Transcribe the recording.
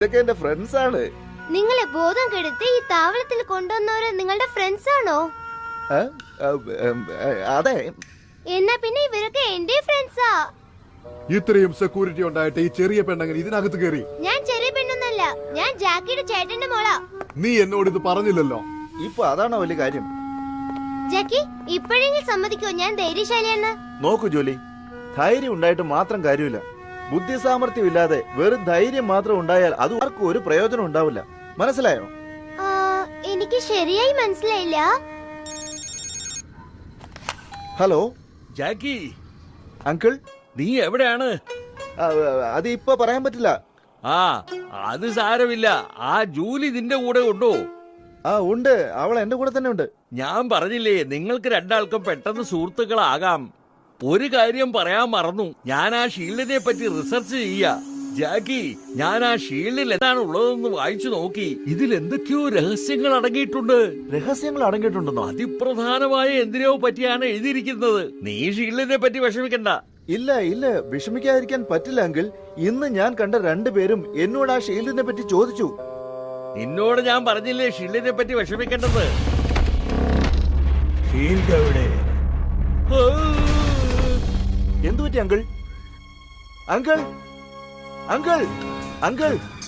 ഇതൊക്കെ എന്റെ ഫ്രണ്ട്സ് ആണ്. നിങ്ങളെ ബോധം കെടുത്തി ഈ താവളത്തിൽ കൊണ്ടുവന്നവര് നിങ്ങളുടെ ഫ്രണ്ട്സ് ആണോ? അതെ. എന്നാ പിന്നെ ഇവരൊക്കെ എന്റെ ഫ്രണ്ട്സാ. ഇത്രയും സെക്യൂരിറ്റി ഉണ്ടായിട്ട് ഈ ചെറിയ പെണ്ണങ്ങനെ ഇതിനകത്ത് കയറി? ഞാൻ ചെറിയ പെണ്ണൊന്നല്ല, ഞാൻ ജാക്കിയുടെ ചേട്ടന്റെ മോളാ. നീ എന്നോട് ഇത് പറഞ്ഞില്ലല്ലോ. ഇപ്പൊ അതാണോ വലിയ കാര്യം? ജാക്കി, ഇപ്പോഴെങ്കിലും സമ്മതിക്കോ ഞാൻ ധൈര്യശാലിയാന്ന്? നോക്കൂ ജോലി, ധൈര്യം ഉണ്ടായിട്ട് മാത്രം കാര്യമില്ല. ബുദ്ധി സാമർഥ്യം ഇല്ലാതെ വെറും ധൈര്യം മാത്രം ഉണ്ടായാൽ അത് ആർക്കും ഒരു പ്രയോജനം ഉണ്ടാവില്ല. മനസ്സിലായോ? എനിക്ക് ശരിയായി മനസ്സിലായില്ല. ഹലോ ജാക്കി, അങ്കിൾ, നീ എവിടെയാണ്? അത് ഇപ്പൊ പറയാൻ പറ്റില്ല. ആ, അത് സാരമില്ല. ആ ജൂലി നിന്റെ കൂടെ ഉണ്ടോ? ഉണ്ട്, അവൾ എന്റെ കൂടെ തന്നെ ഉണ്ട്. ഞാൻ പറഞ്ഞില്ലേ നിങ്ങൾക്ക് രണ്ടാൾക്കും പെട്ടെന്ന് സുഹൃത്തുക്കളാകാം. ഒരു കാര്യം പറയാൻ മറന്നു, ഞാൻ ആ ഷീൽഡിനെ പറ്റി റിസർച്ച് ചെയ്യാ. ജാക്കി, ഞാൻ ആ ഷീൽഡിൽ എന്താണ് ഉള്ളതെന്ന് വായിച്ചു നോക്കി. ഇതിൽ എന്തൊക്കെയോ രഹസ്യങ്ങൾ അടങ്ങിയിട്ടുണ്ട്. രഹസ്യങ്ങൾ അടങ്ങിയിട്ടുണ്ടെന്നോ? അതിപ്രധാനമായ എന്തിനോ പറ്റിയാണ് എഴുതിയിരിക്കുന്നത്. നീ ഷീൽഡിനെ പറ്റി വിഷമിക്കണ്ട. ഇല്ല, വിഷമിക്കാതിരിക്കാൻ പറ്റില്ല അങ്കിൾ. ഇന്ന് ഞാൻ കണ്ട രണ്ടുപേരും എന്നോട് ആ ഷീൽഡിനെ പറ്റി ചോദിച്ചു. നിന്നോട് ഞാൻ പറഞ്ഞില്ലേ ഷീൽഡിനെ പറ്റി വിഷമിക്കേണ്ടത്. ഷീൽഡ് എവിടെ? എന്തു പറ്റി അങ്കിൾ? Uncle, uncle, uncle.